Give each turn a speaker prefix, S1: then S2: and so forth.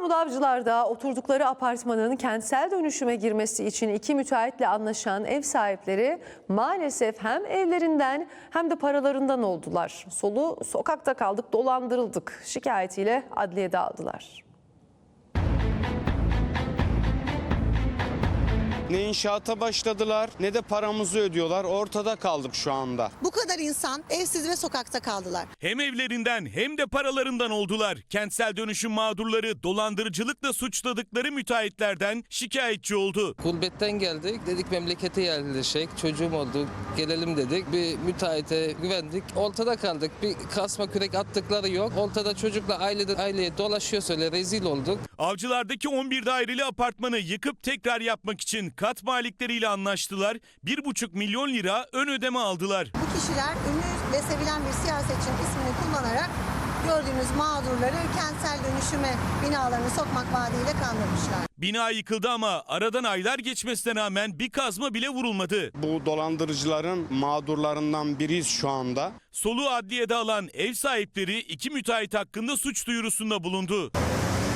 S1: İstanbul Avcılar'da oturdukları apartmanın kentsel dönüşüme girmesi için iki müteahhitle anlaşan ev sahipleri maalesef hem evlerinden hem de paralarından oldular. Sokakta kaldık, dolandırıldık şikayetiyle adliyede aldılar.
S2: Ne inşaata başladılar ne de paramızı ödüyorlar. Ortada kaldık şu anda.
S3: Bu kadar insan evsiz ve sokakta kaldılar.
S4: Hem evlerinden hem de paralarından oldular. Kentsel dönüşüm mağdurları dolandırıcılıkla suçladıkları müteahhitlerden şikayetçi oldu.
S5: Gurbetten geldik, dedik memlekete yerleşecek, çocuğum oldu, gelelim dedik. Bir müteahhite güvendik, ortada kaldık. Bir kasma kürek attıkları yok. Ortada çocukla aileye dolaşıyor, öyle rezil olduk.
S4: Avcılardaki 11 daireli apartmanı yıkıp tekrar yapmak için kat malikleriyle anlaştılar. 1,5 milyon lira ön ödeme aldılar.
S3: Bu kişiler ünlü ve sevilen bir siyasetçinin ismini kullanarak gördüğünüz mağdurları kentsel dönüşüme binalarını sokmak vaadiyle kandırmışlar.
S4: Bina yıkıldı ama aradan aylar geçmesine rağmen bir kazma bile vurulmadı.
S2: Bu dolandırıcıların mağdurlarından biriyiz şu anda.
S4: Soluğu adliyede alan ev sahipleri iki müteahhit hakkında suç duyurusunda bulundu.